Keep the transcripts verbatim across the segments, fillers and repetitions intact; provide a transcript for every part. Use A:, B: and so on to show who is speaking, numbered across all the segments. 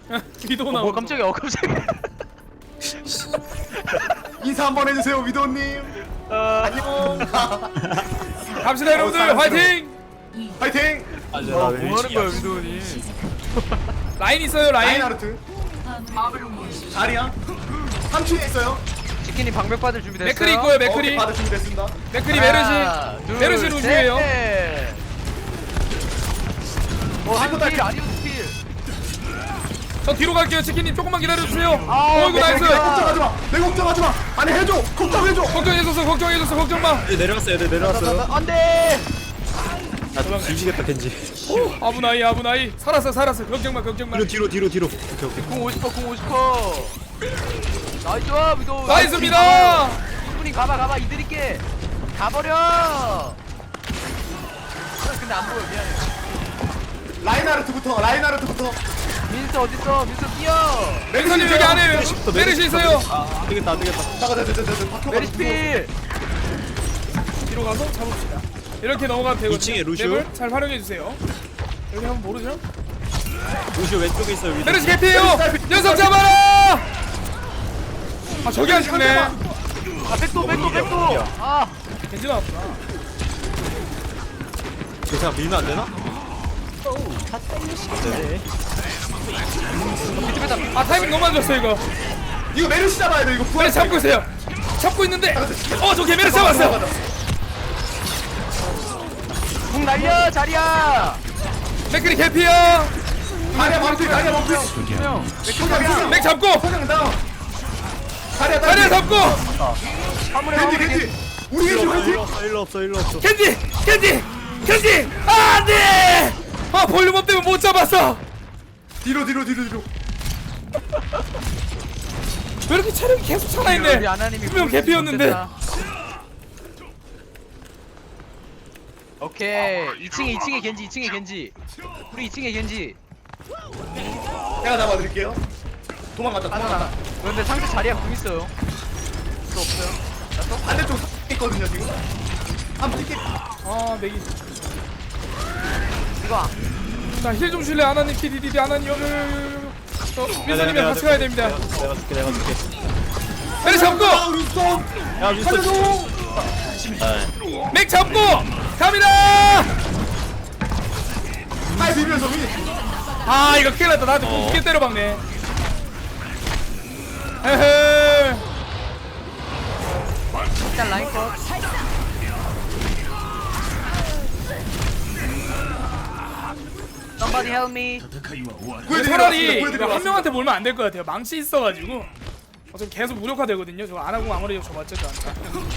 A: 위도
B: 어,
A: 나오.
B: 뭐 깜짝이야. 어 깜짝이야.
C: 인사 한번 해주세요 위도님.
B: 어,
A: 갑시다 여러분들 화이팅.
C: 파이팅.
D: 아, 이제
B: 어,
D: 나
B: 뭐 하는
D: 왼쪽이야.
B: 거야 위도니?
A: 라인 있어요 라인.
C: 라인하르트. 자리야. 삼 층에 있어요.
B: 치킨이 방벽 받을 준비 됐어요?
A: 맥크리 있고요 맥크리.
C: 오케이, 받을 준비됐습니다.
A: 맥크리
B: 하나,
A: 메르시.
B: 둘,
A: 메르시 루시에요.
B: 셋. 어, 한
C: 친구들.
B: 필, 아리우스 필.
A: 저 뒤로 갈게요 치킨님 조금만 기다려주세요.
B: 아,
A: 어이구
B: 네,
A: 나이스.
C: 내 걱정하지 마. 내 걱정하지 마. 아니 해줘. 걱정해줘.
A: 걱정해줬어 걱정해줬어 걱정 마.
D: 얘 내려갔어요. 얘 내려갔어요.
B: 안돼.
D: 나 뒤지겠다 겐지.
A: 아부나이 아부나이 살았어 살았어 걱정 마 걱정 마.
D: 뒤로 뒤로 뒤로 뒤로. 오케이 오케이.
B: 궁 오십 퍼, 궁 오십 퍼. 나이스, 위도.
A: 나이스입니다.
B: 충분히 가봐, 가봐. 이들이게 가버려. 근데 안 보여, 미안해.
C: 라인하르트부터. 라인하르트부터.
B: 민스 어딨어? 민스 뛰어.
A: 메르시님 여기 안에 메르시 있어요.
D: 아, 안 되겠다 안 되겠다.
C: 잠깐 잠깐 잠깐 잠깐.
B: 메리스 필.
A: 뒤로 가서 잡읍시다. 이렇게 넘어가면 되거든요.
D: 이 층에 루시오.
A: 맵을 잘 활용해 주세요. 여기 한번 모르죠?
D: 루시오 왼쪽에 있어요. 위도.
A: 메르시 개피해요. 녀석 잡아라. 아 저기 안 죽네.
B: 아, 백도, 백도, 백도. 아,
A: 겐지 나왔구나.
D: 저 그냥 밀면 안 되나? 네.
A: 아 타이밍 너무 안 좋았어 이거.
C: 이거 메르시 잡아야 돼. 이거 부활.
A: 메르시 잡고 있어요. 잡고 있는데. 어저 개 메르시 잡았어.
B: 궁 날려, 자리야.
A: 맥크리 개피야.
C: 다리야 멈춰. 다리야 멈춰.
B: 형,
C: 소장
A: 맥 잡고.
C: 소장 다운. 다리야
A: 다리야
C: 다리.
A: 잡고.
B: 화물에,
C: 겐지
B: 화물에.
C: 겐지. 우리 겐지
D: 일로
C: 겐지.
D: 없어 일로 없어 일로 없어.
A: 겐지 겐지 겐지. 아 안돼. 아 볼륨업 때문에 못 잡았어.
C: 뒤로 뒤로 뒤로 뒤로.
A: 왜 이렇게 체력이 계속 살아있네.
B: 우리 아나님이
A: 분명
B: 보여주지
A: 개피였는데.
B: 못했다. 오케이. 이 층에 이 층에 겐지, 이 층에 겐지. 우리 이 층에 겐지.
C: 제가 잡아드릴게요. 도망갔다
B: 하나
C: 도망갔다.
B: 하나. 그런데 상대 자리야 궁 있어요. 또 없어요. 나또
C: 반대쪽 있거든요 지금. 한번 뛸게.
A: 아 맥이.
B: 이거.
A: 자힐 좀 줄래 아나님 키디디디 아나님 여기 여기 여기. 민서님이랑 같이 가야 됩니다.
D: 내가 줄게 내가 줄게.
A: 맥 잡고
C: 아, 윈스턴.
D: 야 윈스턴.
C: 살려줘.
A: 맥 잡고 갑니다.
C: 아이 비면서 위.
A: 아 이거 큰일 났다. 나한테 공 두개 때려박네. 에헤.
B: 일단 라인 컷. Somebody help me.
A: 차라리 이거 한 명한테 몰면 안 될 것 같아요. 망치 있어가지고 어차피 계속 무력화되거든요. 저거 안 하고 아무리 줘봤자 저한테.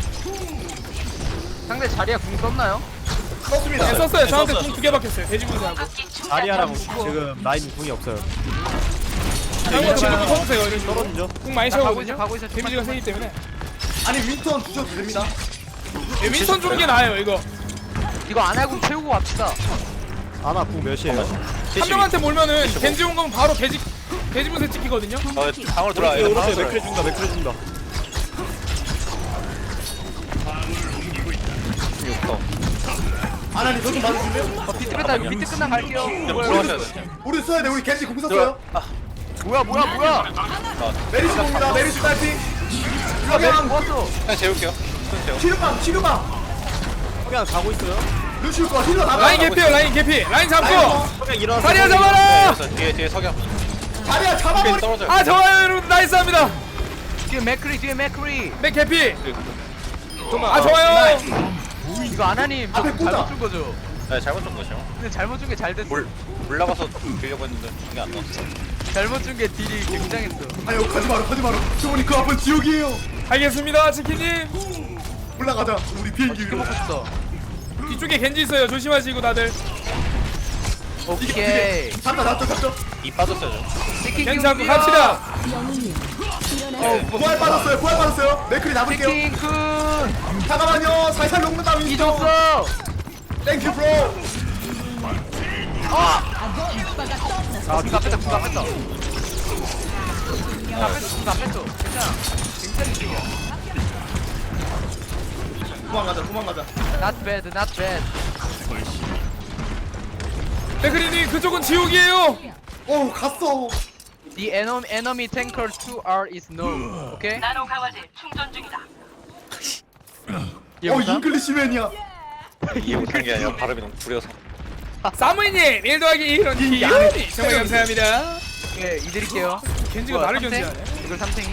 B: 상대 자리야 궁 썼나요?
C: 썼습니다.
A: 네, 썼어요. 저한테 공 두 개 박혔어요. 돼지군사하고.
D: 자리아랑 지금 라인 궁이 없어요.
A: 다른 것도 무조건 쳐주세요. 이런 식으로.
D: 떨어지죠?
A: 공 많이
B: 나 가고
A: 채우거든요.
B: 있어, 가고 있어.
A: 데미지가 세기 때문에.
C: 아니 윈스턴 주셔도 됩니다.
A: 예, 윈스턴 주는 게 나아요. 이거
B: 이거 안하고 채우고 갑시다.
D: 아나 궁 몇이에요?
A: 한 명한테 몰면은 겐지 온 거면 바로 돼지 돼지분쇄 찍히거든요.
E: 어, 방으로 들어와요.
D: 오른쪽
E: 방으로
D: 맥크리 준다 맥크리 준다.
C: 아나니 저좀 봐주실래요?
B: 어, 비트 뺐다. 이거 비트 끝난 갈게요.
E: 들어가셔야 돼.
C: 우리 써야 돼. 우리 겐지 공 썼어요.
B: 뭐야 뭐야 뭐야.
C: 메리시 공입니다. 메리시 파이팅.
B: 아, 메리
C: 석양.
B: 모았어.
E: 그냥 재울게요. 그냥 재워.
C: 치료방 치료방.
D: 석양 가고 있어요.
C: 루시우 거 힐러 나가.
A: 라인 개피요. 라인 개피. 라인 잡고.
D: 석양 일어나서.
A: 자리야 잡아라.
E: 그래서 뒤에 뒤에 석양.
C: 자리야
E: 뒤에
C: 잡아버리.
E: 떨어져요.
A: 아 좋아요 여러분 나이스합니다.
B: 뒤에 맥크리 뒤에 맥크리.
A: 맥 개피.
E: 좀만.
A: 아 좋아요.
B: 이거 아나님 저
C: 앞에
B: 잘못
C: 꽂아.
B: 준 거죠?
E: 네, 잘못 준 거죠.
B: 근데 잘못 준 게 잘 됐어.
E: 물 물나가서 빌려고 했는데 이게 안 나왔어.
B: 잘못 준 게 딜이 굉장했어.
C: 아유 가지 마라 가지 마라. 저분이 그 앞은 지옥이에요.
A: 알겠습니다 치킨님.
C: 올라가자. 우리 비행기
B: 이거
C: 위로.
B: 먹고 싶다.
A: 뒤쪽에 겐지 있어요. 조심하시고 다들.
B: 오케이.
C: 잡다 잡다 잡다.
E: 이 빠졌어요. 저.
B: 치킨
A: 겐지 잡고
B: 키우기야.
A: 갑시다.
C: 부활 빠졌어요. 부활 빠졌어요. 맥클이 잡을게요.
B: 치킨 쿤.
C: 잠깐만요. 살살 녹는다 윈스턴.
B: 잊었어.
C: 땡큐 브로.
B: 아, 궁 뺐다, 궁 뺐다. 궁 뺐어, 궁 뺐어. 괜찮아. 굉장히 중요해.
C: 도망가자 도망가자.
B: Not bad, not bad.
A: 맥크리님 그쪽은 지옥이에요.
C: 어 갔어.
B: The enemy enemy tanker two R is known. 오케이?
F: 나노 강화제 충전 중이다.
B: 얘
C: 어
B: 못함?
C: 잉글리시맨이야.
E: 이해 못한 게 아니라 발음이 너무 구려서.
A: 사무이님 일 더하기 이런 기운이 정말 감사합니다.
B: 예, 이드릴게요.
A: 겐지가
B: 뭐야,
A: 나를
B: 삼탱?
A: 견제하네.
B: 이걸 삼탱이?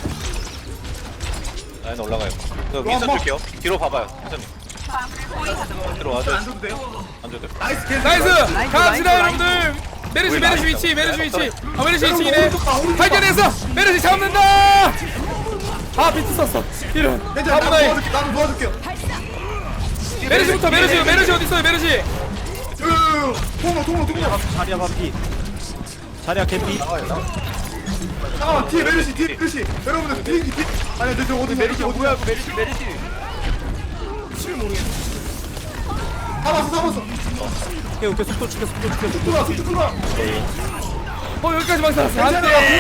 E: 라인 올라가요. 그 윈선
C: 뭐.
E: 줄게요. 뒤로 봐봐요. 회장님. 뒤로 와줘.
C: 안 줘도 돼요?
E: 안 줘도 돼.
C: 나이스 캔.
A: 나이스!
B: 라인,
A: 갑시다
B: 라인,
A: 여러분들! 메르시 메르시 위치 메르시 위치 아 메르시
C: 여러분,
A: 위치이네
C: 오른쪽 봐, 오른쪽 봐.
A: 발견했어! 메르시 잡는다! 아 비트 썼어 이런
C: 괜찮아. 나도
A: 아무나이
C: 도와줄게. 나도 도와줄게요.
A: 메르시부터 메르시 메르시 어딨어요 메르시
C: 으, 통로 통로 통로.
D: 자리야 반피. 자리야 개피.
C: 잠깐만 뒤에 메르시 뒤에 메르시. 여러분들 뒤에 뒤에. 아니 근데 저 어디 메르시 어디
B: 뭐야, 그 메리시, 메리시.
C: 잡았어 잡았어.
D: 오케이 오케이 속도 줄게 속도 줄게 속도.
C: 들어와 속도 들어와.
A: 어 여기까지만 살았어
C: 괜찮아,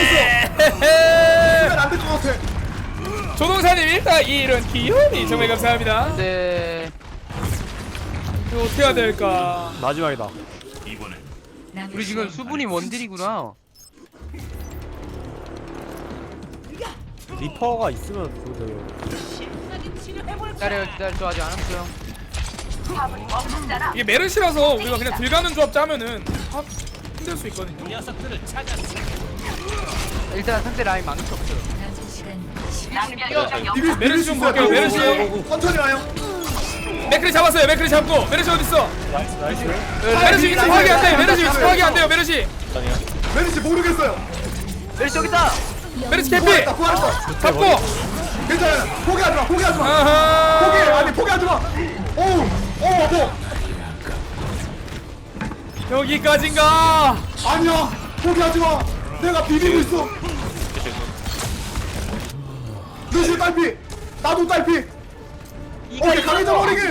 A: 안돼
C: 안될 것 같아.
A: 조동사님 일단 이런 기운이 정말 감사합니다
B: 네.
A: 이거 어떻게 해야 될까
D: 마지막이다.
B: 우리 지금 수분이 원딜이구나.
D: 리퍼가 있으면 그거 되게.
B: 기다려, 기다려. 아직 안 왔어요.
A: 이게 메르시라서 우리가 그냥 들가는 조합 짜면은 아, 힘들 수 있거든요
B: 일단 상대 라인 망치 없어요.
C: 비빌
A: 메르시 좀 볼게요, 메르시.
C: 천천히 와요.
A: 맥크리 잡았어요 맥크리 잡고 메르시 어딨어
D: 나이스 나이스.
A: 메르시 위치 파악이 안돼요 메르시 위치 파악이 안돼요 메르시
E: 아니요.
C: 메르시 모르겠어요.
B: 메리시 여기 있다.
A: 메르시 개피
C: 구했다 구했다.
A: 잡고
C: 괜찮아. 포기하지 마 포기하지 마.
A: 아하
C: 포기 아니 포기하지 마. 오우 오우 뭐
A: 여기까지인가
C: 아니야 포기하지 마. 내가 비비고 있어. 루시 딸피. 나도 딸피. 오케이 강해져 버리기.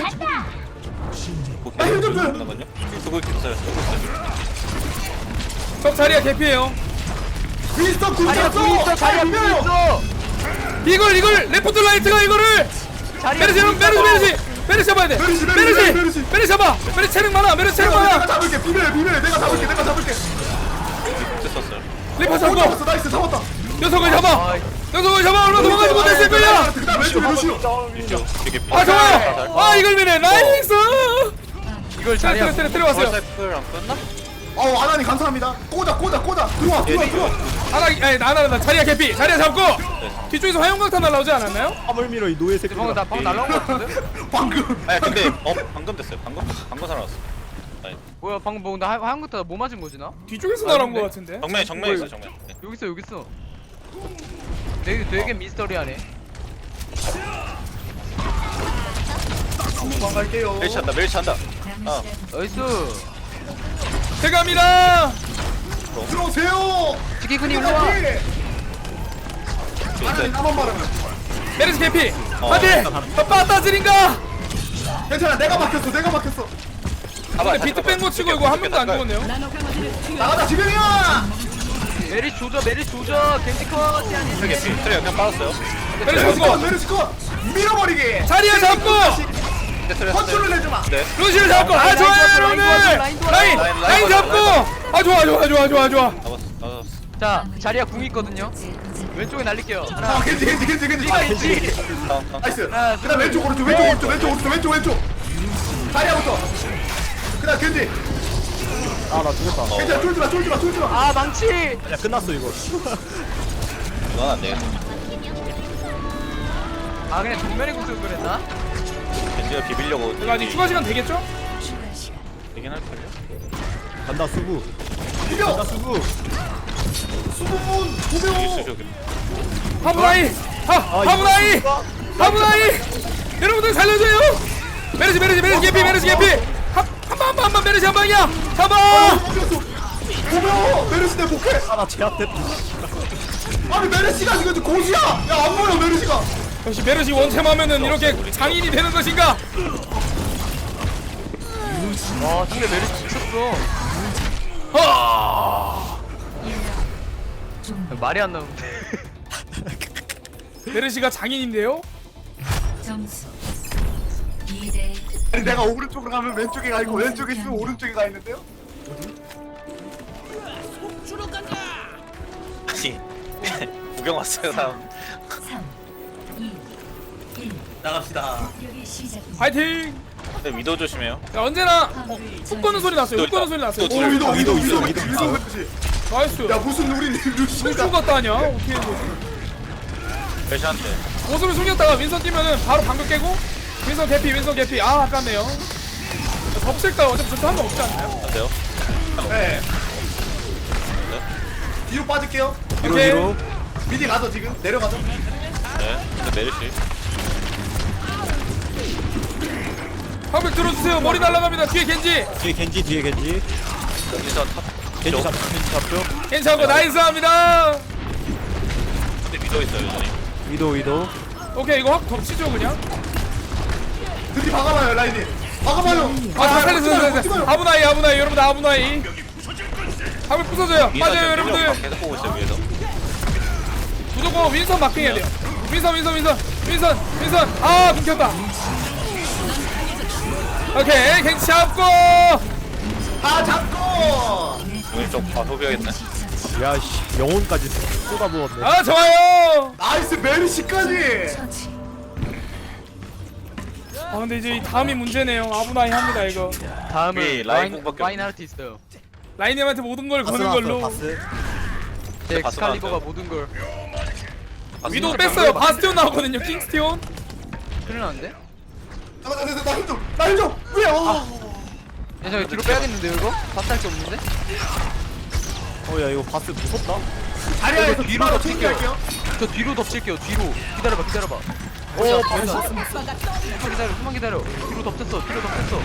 C: 나 힘 좀 줘.
E: 잠깐만요. 수고 있어요. 수고 있어요.
A: 적 자리야 개피예요
C: 윈스턴
B: 자리야,
C: 굶겼어.
B: 궁 있어. 자리야, 궁 있어.
A: 이걸 이걸 레포트 라이트가 이거를
B: 자리야,
A: 메르시
B: 궁
A: 메르시
B: 있어.
A: 메르시 메르시 잡아야 돼
C: 메르시, 메르시,
A: 메르시
C: 메르시.
A: 메르시 잡아 메르시 체력 많아 메르시 체력
C: 내가
A: 많아
C: 잡을게 비밀 비밀 내가 잡을게 내가 잡을게.
E: 됐었어요.
A: 리퍼
C: 어
A: 잡고
C: 잡았어 나이스 잡았다.
A: 녀석을 잡아
B: 아이,
A: 녀석을 잡아 얼마 도망가지 못했을 거야
C: 그다음 왼쪽 루시오.
E: 윈죠. 되게
A: 아 좋아요 아 이걸 미네 나이스
B: 이걸
A: 트레
B: 자리야.
A: 트레 트레 왔어요
E: 월사이클 안 끝나?
C: 어 아나니 감사합니다. 꽂아 꽂아 꽂아 들어와 들어와 들어와.
A: 하나 아니 나나 나 자리야 개피 자리야 잡고 뒤쪽에서 화용강탄 날라오지 않았나요?
D: 화물 밀어 이 노예 새끼.
B: 방금 나 방금 날라온 거 같은데?
C: 방금.
E: 아니 근데 어 방금 됐어요. 방금 방금 살아났어. 아니,
B: 뭐야 방금 뭐 나 하얀 것도 뭐 맞은 거지 나?
A: 뒤쪽에서
B: 아,
A: 날아온
B: 근데?
A: 거 같은데
E: 정면에 정면에 있어 정면. 네.
B: 여기 있어 여기 있어. 되게 되게 미스터리하네.
C: 도망갈게요.
E: 멜치 한다. 멜치 한다. 아
B: 나이스.
A: 제가입니다
C: 들어오세요.
B: 지키군이 일로 와.
C: 아나니 나만 말하면.
A: 메르시 개피
E: 어,
A: 안돼 빠따지린가
C: 괜찮아 내가 막혔어 내가 막혔어.
A: 근데 비트 뺀 거 치고 이거 한 명도 안 죽었네요
C: 나가자 지금이야.
B: 메리 조져 메리 조져 겐지커 시안이.
E: 트레 트레 그냥 빠졌어요.
A: 메르시
C: 메르시컷
A: 잡고
C: 메르시컷 밀어버리기.
A: 자리야 잡고
E: 근데 트레
C: 컨트롤 내주마.
E: 네.
A: 루시를 잡고 아
B: 라인
A: 좋아요
B: 도와줘,
A: 여러분들
B: 라인
A: 라인
B: 도와줘, 라인
E: 도와줘.
A: 라인
E: 라인
A: 잡고
E: 도와줘,
A: 아 좋아 좋아 좋아 좋아 좋아
E: 잡았어. 잡았어.
B: 자 자리야 궁 있거든요. 왼쪽에 날릴게요.
C: 아
B: 하나.
C: 겐지 겐지 겐지 겐지.
B: 겐지.
E: 다음 다음.
C: 나이스.
B: 하나,
C: 그다음
B: 둘,
C: 왼쪽 오른쪽 왼쪽 오른쪽 왼쪽 오른쪽 왼쪽 왼쪽. 다리야부터. 그다음 겐지.
D: 아나 죽었다.
C: 괜찮아 쫄지마 쫄지마 쫄지마.
B: 아 망치.
D: 야 끝났어 이거.
E: 이건 안 되겠네.
B: 아 그냥 정면에 궁 쓰고 그랬나?
E: 겐지가 비비려고.
A: 이거 아직 추가 시간 되겠죠?
E: 되긴 할걸요?
D: 간다 수구.
C: 비벼.
D: 간다 수구.
C: 수분
E: 있어
C: 도배우.
E: 저기.
A: 하브라이 하 하브라이 하브라이 여러분들 살려줘요 메르시 메르시 메르시 개피 메르시 개피 한방한방 한방 메르시 한 방이야 잡아
C: 도배우 메르시 내 복해.
D: 아나 제압됐다.
C: 아니 메르시가 지금 고지야. 야 안 보여 메르시가.
A: 역시 메르시 원챔하면은 이렇게 장인이 되는 것인가
B: 와 상대 메리 미쳤어.
A: 하
B: 말이 안 나오는데.
A: 메르시가 장인인데요?
G: 점수 이 대
C: 아니 내가 오른쪽으로 가면 왼쪽에 가 있고 왼쪽에 있으면 오른쪽에 가 있는데요?
E: 아니 구경 왔어요 다음.
G: 삼, 이, 일.
C: 나갑시다.
G: 공격이 시작됩니다.
A: 파이팅.
E: 근데 위도 조심해요.
A: 야 언제나 어, 훅 거는 소리 났어요. 훅 거는 소리 났어요.
E: 또
C: 오 위도 위도 위도
D: 위도,
C: 위도
D: 위도.
C: 위도.
A: 나이스.
C: 야 무슨 우리
A: 술
C: 루시가
A: 죽었다 하냐? 어떻게 된 거지?
E: 배시한테.
A: 모습을 숨겼다가 윈선 뛰면은 바로 방벽 깨고 윈선 개피 윈선 개피 아 아깝네요. 덮칠까 어차피 저도 한번 없지 않나요?
E: 어때요?
C: 네. 뒤로 빠질게요.
D: 뒤로
A: 오케이.
D: 뒤로.
C: 미리 가서 지금 내려가서.
E: 네. 근데 메르시.
A: 방벽 들어주세요. 머리 날아갑니다. 뒤에 겐지.
D: 뒤에 겐지 뒤에 겐지.
E: 여기서 탑.
D: 겐지 잡 겐지 잡죠.
A: 괜찮고 나이스합니다.
E: 근데 위도 있어요 여전히.
D: 위도 위도.
A: 오케이 이거 확 덮치죠 그냥.
C: 드디 박아봐요 라인이. 박아봐요.
A: 아 다 살렸어 살렸어.
C: 찍어요.
A: 아브나이 아브나이 여러분들 아브나이. 방벽 부서져요. 빠져요 여러분들.
E: 계속 보고 있어요 위에서.
A: 무조건 윈선 마킹해야 돼요. 윈선 윈선 윈선 윈선 윈선 아 끊겼다. 오케이 겐지 잡고
C: 다 잡고.
E: 왼쪽 아 소비하겠네.
D: 야씨 영혼까지 쏟아부었네.
A: 아 좋아요.
C: 나이스 메르시까지.
G: 처치.
A: 아 근데 이제 이 다음이 문제네요. 아브나이 합니다 이거.
B: 다음은
E: 우리 라인
B: 라인
E: 공밖에
B: 라인 하르트 있어요.
A: 라인님한테 모든 걸
D: 바스
A: 거는
D: 나왔어요,
A: 걸로.
D: 바스.
B: 제
E: 바스
B: 엑스칼리버가
E: 나왔어요.
B: 모든 걸.
A: 위도 뺐어요. 바스티온 나오거든요. 킹스티온.
B: 큰일 났는데?
C: 잠깐 잠깐 나힘 좀. 나힘 좀. 왜? 어.
B: 야 저 뒤로 빼야겠는데요 이거? 바스 할게 없는데?
D: 어야 이거 바스 무섭다.
C: 자리에
B: 저 뒤로
C: 뒤로
B: 덮칠게요.
C: 튕길게요.
B: 저 뒤로 덮칠게요 뒤로. 기다려봐 기다려봐.
D: 오
B: 바스.
D: 바스.
B: 숨만 기다려 숨만 기다려. 뒤로 덮쳤어 뒤로 덮쳤어.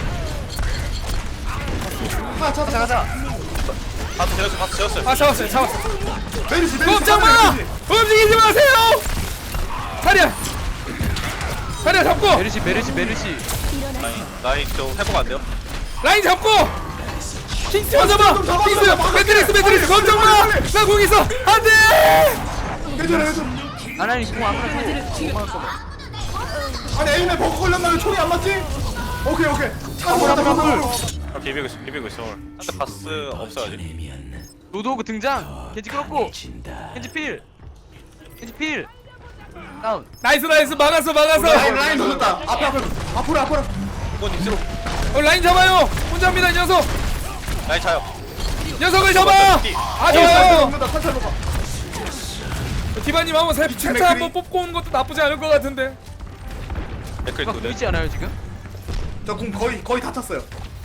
C: 아 찾아 가자.
E: 바스 재웠어 바스 재웠어요.
A: 아 잡았어요. 잡았어.
C: 메르시 메르시.
A: 꼼짝 마. 움직이지 마세요. 자리야. 자리야 잡고.
B: 메르시 메르시 메르시.
E: 라인 라인 좀 회복 안 돼요?
A: 라인 잡고. 킹스티온 잡아. 킹스. 매트리스 매트리스 꼼짝 마. 나공 있어. 안돼.
C: 괜찮아 괜찮아.
B: 아나니 공 아무나 공. 공만 써봐.
C: 아니 에임에 버그 걸렸나요? 총이 안 맞지? 오케이 오케이. 한번 한번 한번.
E: 아 비비고 있어 비비고 있어. 근데 바스 없어요 아직.
B: 로드오그 등장. 겐지 끌었고. 겐지 필. 겐지 필. 다운.
A: 나이스 나이스 막았어 막았어.
C: 라인 라인 돌렸다. 앞에 앞에 앞으로 앞으로.
E: 이건 익스로.
A: 어, 라인 잡아요. 혼자입니다 이 녀석.
E: 라인 차요.
A: 녀석을 잡아. 아
C: 어,
A: 좋아요.
C: 잡는다. 탈탈 먹어.
A: 디바님 한번 새
C: 미친
A: 차차 한번
C: 맥크리.
A: 뽑고 오는 것도 나쁘지 않을 것 같은데.
E: 댓글
B: 누가
E: 두 대.
B: 보이지 않아요 지금?
C: 저궁 거의 거의 다 찼어요.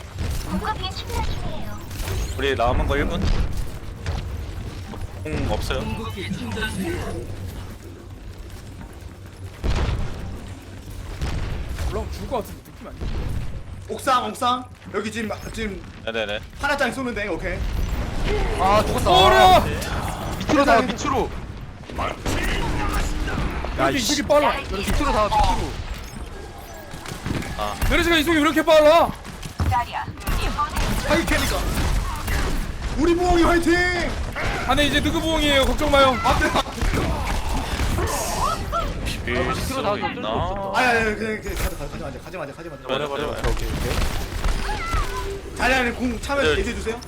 E: 우리 남은 거 일 분. 공 없어요.
A: 올라오면 죽을 것 같은 느낌 아니야?
C: 옥상 옥상. 여기 지금 지금
E: 네네네.
C: 하나짜리 쏘는데 오케이.
B: 아 죽었다.
A: 오라.
B: 밑으로 다 밑으로.
A: 이렇게 이속이 빨라.
B: 밑으로 다 밑으로.
A: 메르시가 이속이 왜 이렇게 빨라?
C: 하이 캐니까. 우리 부엉이 화이팅.
A: 안에 이제 누구 부엉이에요. 걱정 마요.
E: 비빌 수
B: 밑으로 나오기 어쩔 수
E: 있나?
B: 없어.
C: 아야 야 그냥 그냥 가자 가자 가자 가지 마자 가지 마자.
E: 버려 버려 버려.
D: 오케이 오케이.
C: 자리 안에 궁 차면
E: 네.
C: 얘기해 주세요.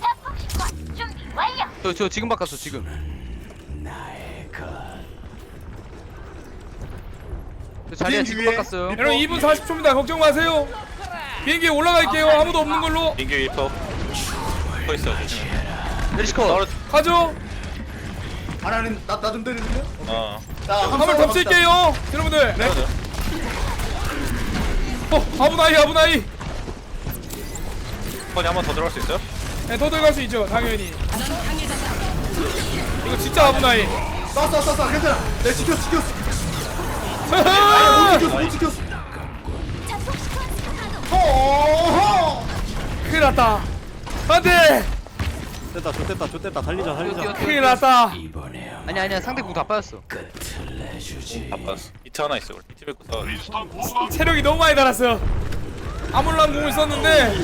B: 저, 저 지금 바꿨어 지금. 저 자리에
C: 비행기
B: 지금
C: 위에.
B: 바꿨어요.
A: 여러분 이 분 사십 초입니다. 걱정 마세요. 비행기에 올라갈게요. 아무도 없는 걸로.
E: 민규 일 퍼. 서 있어요 조심해.
B: 메리시커.
E: 떨어.
A: 가죠.
C: 하나는 나나 좀 때리는데요?
E: 어.
C: 자
A: 한번 덮칠게요. 여러분들.
C: 네.
A: 어, 아브나이 아브나이.
E: 번이 한 번 더 들어갈 수 있어요?
A: 네, 더 들어갈 수 있죠. 당연히. 이거 진짜 아브나이.
C: 쏴쏴쏴쏴 괜찮아. 내 지켰어 지켰어.
A: 하하!
C: 못 지켰어 못 지켰어. 허허.
A: 큰일 났다. 안돼.
D: 됐다 좋됐다 좋됐다 달리자 달리자.
A: 큰일 났다.
B: 아니 아니야 상대 공 다 빠졌어.
E: 바빴어. 이트 하나 있어. 우리 이트 뵙고 서.
A: 체력이 너무 많이 달았어. 아몰란 공을 썼는데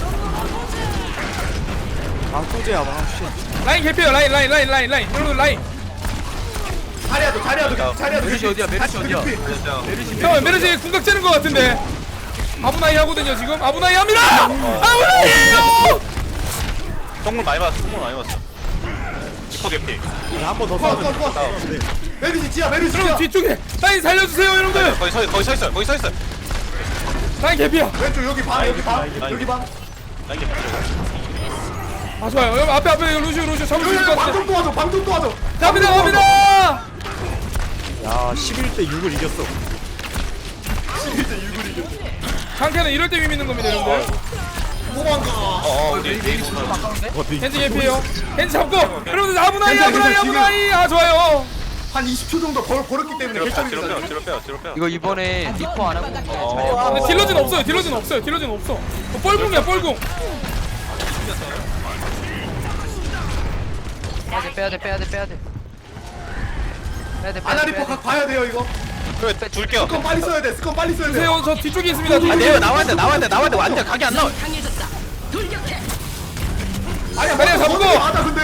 D: 아 소재야 막 씨.
A: 라인 개피요. 라인 라인 라인 라인 라인. 여러분 라인.
C: 자리야도 자리야도 자리야도.
B: 메르시 어디야, 메르시 어디야?
A: 잠깐만 메르시 궁각 째는 것 같은데. 아브나이 하거든요 지금. 아브나이 합니다. 아브나이에요.
E: 똥물 많이 맞았어. 똥물 많이 맞았어. 리퍼 개피.
D: 한번 더
C: 컷,
D: 싸우면
C: 컷, 컷. 메르시 지야, 메르시
A: 여러분
C: 지야.
A: 뒤쪽에 라인 살려주세요 여러분들.
E: 거기 서 거기 서 있어요. 거기 서 있어요.
A: 라인 개피야.
C: 왼쪽 여기 방, 여기 방,
E: 라인.
C: 여기 방.
E: 라인 개피.
A: 아 좋아요. 여러분 앞에 앞에 루시오 루시오 잡을 수 있을 것 같아.
C: 방좀 도와줘, 방좀 도와줘.
A: 갑니다 갑니다.
D: 야 십일 대 육을 이겼어.
A: 강태는 이럴 때 의미 있는 겁니다 여러분들.
C: 도망가.
E: 어어 우리
B: 메리 좀 아까운데?
D: 어, 비-
A: 겐지 개피에요. 겐지 잡고 여러분들 아브나이
C: 괜찮아,
A: 아브나이
C: 괜찮아,
A: 아브나이. 아 좋아요.
C: 한 이십 초 정도 벌, 벌었기 때문에
E: 뒤로 빼요. 뒤로
C: 결정입니다.
E: 빼요. 뒤로 빼요. 뒤로 빼요.
B: 이거 이번에 리퍼 안 하고
E: 어.
A: 근데 딜러진 없어요. 딜러진 없어요. 딜러진 없어. 어, 뻘궁이야 뻘궁.
B: 빼야 돼 빼야 돼 빼야 돼 빼야 돼 빼야
C: 아나
B: 돼
C: 리퍼
B: 빼야
C: 각 봐야 돼요 이거.
E: 그래 줄게요.
C: 스컨 빨리 써야 돼. 스컨 빨리 써야 돼.
A: 세요 저 뒤쪽에 있습니다.
E: 아
A: 뒤쪽에.
E: 내가 나와야 돼. 나와야 돼. 나와야 돼. 완전 각이 안 나와.
C: 아니야,
A: 아니야,
C: 먼저
A: 잡고.
C: 먼저 맞아 근데.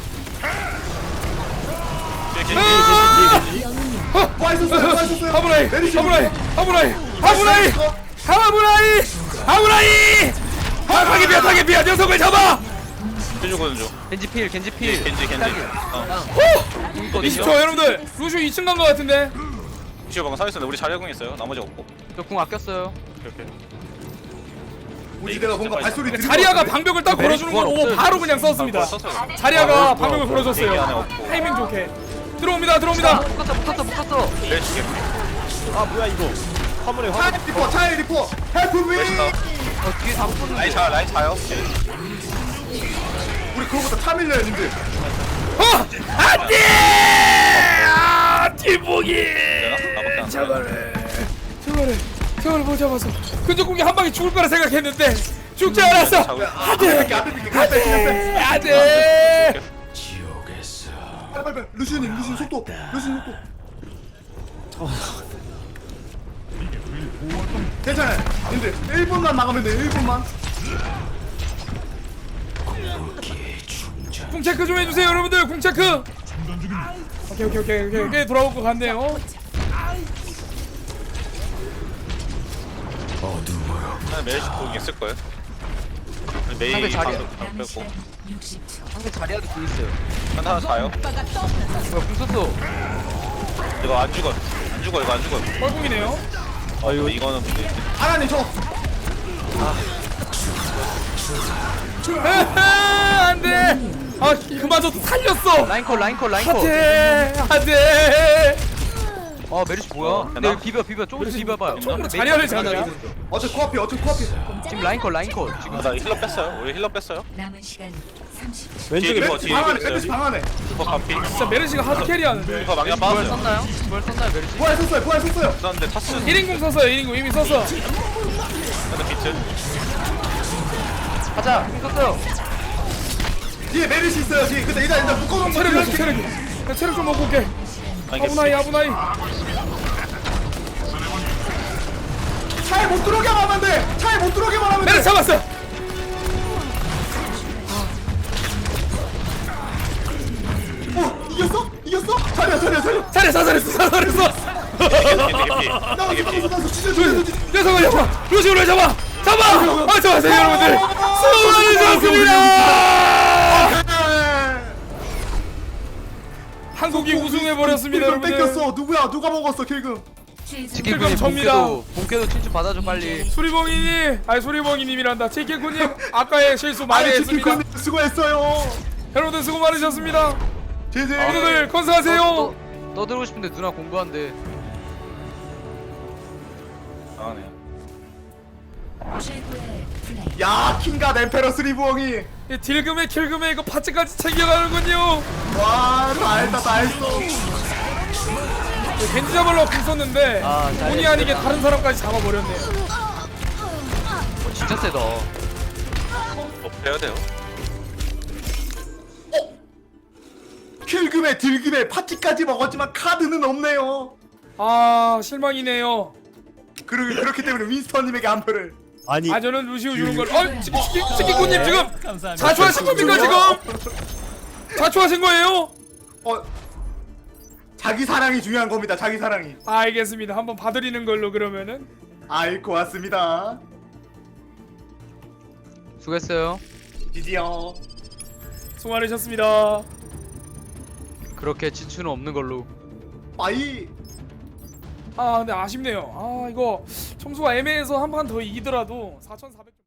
A: 아!
C: 빠있었어요, 빠있었어요.
A: 하브라이
C: 메르시.
A: 하브라이 하브라이 하브라이 하브라이 하브라이. 아 타겟비야 타겟비야 녀석을 잡아.
E: 해주거든 줘.
B: 겐지 필 겐지 필
E: 겐지 겐지. 어.
A: 이십 초 여러분들. 루시오 이 층 간 것 같은데.
E: 루시오 방금 서 있었는데 우리 자리에 공 있어요. 나머지 없고.
B: 저궁 아꼈어요
E: 이렇게.
C: 우지대가 뭔가 발소리 들은
A: 자리아가
C: 것 같은데?
A: 방벽을 딱 걸어주는 걸 오 바로 그냥 썼습니다.
E: 썼어요.
A: 자리아가 방벽을
E: 얘기 안에
A: 걸어줬어요.
E: 없고.
A: 타이밍 좋게. 들어옵니다 들어옵니다.
B: 묶었어 묶었어 묶었어
E: 메르시 개피.
D: 아 뭐야 이거. 화물에 화물.
C: 차이 리퍼, 차이 리퍼. 헬프 미.
E: 메르시 다운.
B: 어 뒤에 다 묶었는데
E: 라인 차 라인 차요.
C: 우리 그거부터 차 밀려요, 님들.
A: 어 안돼. 아 뒷목이.
E: 나밖에 안
A: 저거를 저거를 저거를 못 잡아서 근접 공격 한 방에 죽을 거라 생각했는데 죽지 않았어. 안돼
C: 앞에 뺄게, 앞에 뺄게, 앞에 뺄게.
A: 안돼.
C: 빨리, 빨리, 빨리. 루시님, 루시님 속도. 루시님 속도. 괜찮아요. 님들 일 분만 막으면 돼. 일 분만.
A: 궁 체크 좀 해주세요 여러분들. 궁 체크. 오케이 오케이 오케이 오케이 오케이 돌아올 것 같네요.
E: 메르시 공 있을 거예요. 메이
B: 상대 자리야.
E: 방금 방
G: 남은
E: 빼고.
G: 시간 육십 초.
B: 상대 자리아도 궁 있어요
E: 하나 하나 자요.
B: 뭐야 궁 썼어
E: 이거 안 죽어. 안 죽어 이거 안 죽어.
A: 뻘궁이네요.
E: 아 이거 이거는 문제.
C: 하나님 저.
A: 안돼. 아 그마저도 살렸어.
B: 라인콜 라인콜 라인콜
A: 안돼 안돼.
B: 아 메르시 뭐야 근데 여기 비벼 비벼 조금씩 비벼봐요
A: 조금 자리아를 잡냐?
C: 어째 코앞이, 어째 코앞이.
B: 지금 라인콜 라인콜 지금
E: 아, 나 힐러 뺐어요. 우리 힐러 뺐어요.
G: 남은 시간 삼십 초.
D: 왼쪽에
E: 뒤에
D: 뭐
C: 메르시
E: 뒤에
C: 방 안에,
E: 있어요.
C: 메르시 방 안에.
E: 리퍼 간피.
A: 진짜 메르시가 하드 캐리하는데.
E: 리퍼 망령
B: 부활
E: 빠졌어요.
B: 썼나요? 부활 썼나요 메르시?
C: 부활 썼어요, 부활 썼어요.
E: 썼는데 타스.
A: 일 인공 썼어요 일 인공 이미 썼어.
E: 근데 비트.
B: 가자 궁 썼어요
C: 뒤에 메르시 있어요, 뒤에. 근데 일단, 일단 묶어놓은 거
A: 체력이 없어
C: 이렇게.
A: 체력이. 나 체력 좀 먹고 올게. 아브나이 아브나이.
C: 차에 못 들어오게만 하면 돼. 차에 못 들어오게만 하면 돼.
A: 메르시 잡았어.
C: 어, 이겼어? 이겼어? 자리야, 자리야, 자리야.
A: 잘했어 잘했어 잘했어.
E: 겐지 개피.
C: 나왔어,
E: 겐지 개피.
C: 나왔어, 나왔어. 진짜 죽였어, 진짜.
A: 녀석을 잡아. 루시오를 잡아. 잡아. 아 좋았어요 여러분들. 수고하셨습니다. 한국이 우승해 버렸습니다
C: 킬금
A: 여러분들.
C: 뺏겼어. 누구야? 누가 먹었어, 킬금?
G: 최종
B: 지킬군님
A: 접니다.
B: 본캐도 본캐도 친추 받아줘 빨리
A: 수리봉이님, 아니 수리봉이님이란다. 치킨쿠님 아까의 실수 많이
C: 아니,
A: 했습니다.
C: 치킨군님 수고했어요.
A: 여러분들 수고 많으셨습니다.
C: 제제.
A: 여러분들 건승하세요.
B: 떠, 떠들고 싶은데 누나 공부한대
E: 나가네요.
G: 최고의 플레이.
C: 야, 킹과 엠페러스 리부엉이.
A: 이 딜금에 킬금에 이거 파츠까지 챙겨가는군요.
C: 와, 다 했다, 다 했어.
A: 겐지 잡으려고 궁 썼는데
B: 아, 잘
A: 본의 아니게 다른 사람까지 잡아버렸네요.
B: 어, 진짜 세다
E: 업해야 돼요.
C: 킬금에 딜금에 파티까지 먹었지만 카드는 없네요.
A: 아 실망이네요.
C: 그러, 그렇기 때문에 윈스턴님에게 한 표를.
D: 아니
A: 아 저는 루시오 주는 걸. 어 치킨 치킨 치킨군님 지금 자초하신 겁니까 지금? 자초하신 거예요?
C: 어, 자기 사랑이 중요한 겁니다. 자기 사랑이.
A: 알겠습니다. 한번 봐드리는 걸로 그러면은.
C: 아이, 고맙습니다.
B: 수고했어요
C: 지지요.
A: 수고 많으셨습니다.
B: 그렇게 지추는 없는 걸로.
C: 빠이.
A: 아 근데 아쉽네요. 아 이거 점수가 애매해서 한 판 더 이기더라도 사천사백 점